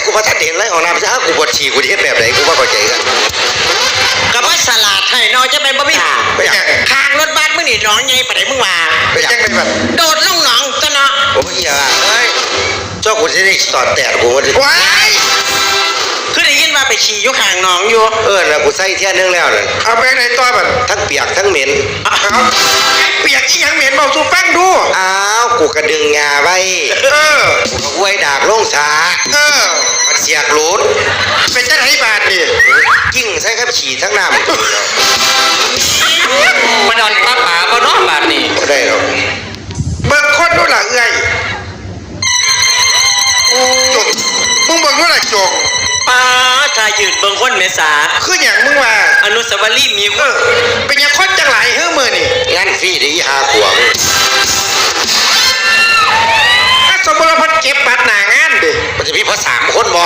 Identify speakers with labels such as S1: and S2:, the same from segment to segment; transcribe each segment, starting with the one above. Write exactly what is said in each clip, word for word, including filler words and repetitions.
S1: กูว่าถ้าเด่นไรของน้ำซะกูปวดฉี่กูเทแบบไหนกูว่าเข้าใจกัน
S2: ก็ว่าสลัดให้น้อยจะเป็นบ่มี
S1: ไปยัง
S2: ทางรถบัสมึงนี่น้องไงไปไหนมึงว่า
S1: ไปยังไงแบบ
S2: โดดลงหนองจ้ะเนาะ
S1: โอ้ยอย่าเอ้ยเจ้ากูจะได้สอดแตะกูว่าดิ
S2: ว้ายคือได้ยินว่าไปฉี่อยู่ข้างหนองอยู่
S1: เออแล้วกูใส่เที่ยนึงแล้วนั่น
S3: เอาไปไหนตัวแบบ
S1: ทั้งเปียกทั้งเหม็น
S3: เอาเปียกอีหยังเหม็นเบาสูฟังดู
S1: อ้าวกูกระดึงงาไว้
S3: เออ
S1: กูก็ไว้ดากลงสา
S3: เออ
S1: มันเสียกหลุด
S3: เป็นจะไหนบาทนี่
S1: ยิ่งใส่ครับฉี่ทั้งน้ำ
S2: มันนอนป้าป๋าก็นอนบาดนี่
S1: ไม่ได้หรอก
S3: เบิ่งคนดูหล่ะเอ้ยจกมึงเบิ่งดูหล่ะจก
S2: ป้าชายยืนเบิ่งคนเมษา
S3: คืออย่างมึงว่า
S2: อนุสาวรีย์มีเออ
S3: เป็นยังคนจังหลายเฮ้อมือนี่
S1: งานฟรีดีหาขวง
S3: ถ้าสมมติว่าพันเก็บบัตรหนางานดิ
S1: มันจะมีพอสามคนบ่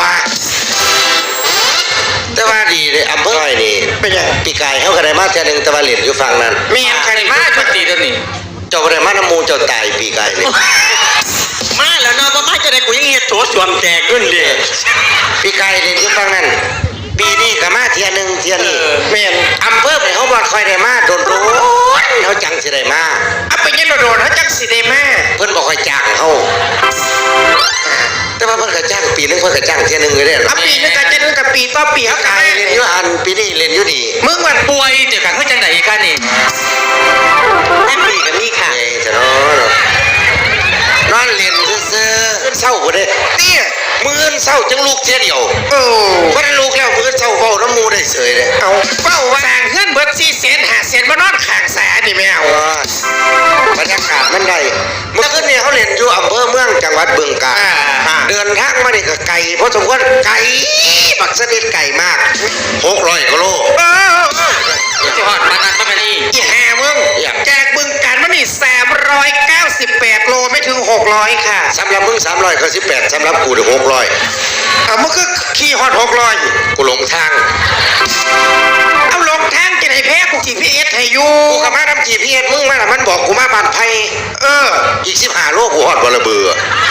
S1: แต่ว่าดีเลยอำเภอนี่
S3: เป็นยัง
S1: ปีกายเขาก็ได้มาเท่านึงแต่ว่าเหรียญอยู่ฝั่งนั้น
S3: มีอันใคร
S2: มาชุดตีตัวนี้
S1: เจ้าได้มาน้ำมูเจ้าตายปีกายนี่
S2: มาแล้วเนาะมาจะได้กูยังเฮ็ดโถสวมแจกขึ้นเด้
S1: ปีกายเหรียญอยู่ฝั่งนั้นปีนี้ก็มาเที่ยนึงเที่ยนี้
S3: แม่น
S1: อำเภอไปเขาบ่ค่อยได้มาโดนโดนเขาจังสิได้มา
S3: เอาไปยันโดนเขาจังสิได้มา
S1: เพิ่นบ่ค่อยจ้างเขาแต่ว่าเพิ่นก็จ้างปีนึงเพิ่นก็จ้างเที่ยนึงอยู่เด้อ
S3: ปีนึงก็จะนึงกับปีต่อปีเขาขาย
S1: เรียนอยู่อันปีนี้เรียนอยู่นี่
S3: มึงวัน
S2: ป่วยเดี๋ยวกันเพื่อจังไหนกันนี่แม่ปีกับมีค่ะ
S1: เอ้จะนอนนอนเรียนซื่อๆขึ้นเศร้าบ่ได้
S3: เนี่ย
S1: มื้อเศร้าจังลูกเที่ยเดียว
S3: โอ้
S1: บ่ได้ลูกแล้วมื้อเศร้าเว้าน้ำมูได้เสยเด้
S3: เอาเว้าว่าสร้างเฮือนเบิดสี่เซนห้าเซนมานอนข้างสานี่แม่เอา
S1: บรรยากาศมันได้เมื่อคืนนี้เขาเรียนอยู่อำเภอเมืองจังหวัดบึงกาฬเดินทางมานี่ก็ไกลเพราะสมควรไกลบักสนิทไกลมากหกร้อยกิโล
S3: เออ
S2: จะหอดมานันมานี่
S3: อีแห่มึงแจกบึงการมันนี่สามร้อยเก้าสิบแปดโลไม่ถึงหกร้อยค่ะ
S1: สำหรับมึงสามร้อยก็สิบแปดสำหรับกูถึงหกร้อย
S3: เอามึงก็ขี่ฮอดหกร้อย
S1: กูหลงทาง
S3: เอาลงทางจะไหนแพ้กู จี พี เอส ให้อยู่
S1: กูกับมาทำ จี พี เอส มึงมาละมันบอกกูมาบ้านไผ่
S3: เออ
S1: อีกสิบห้าโลกูฮอดบ่ละเบือ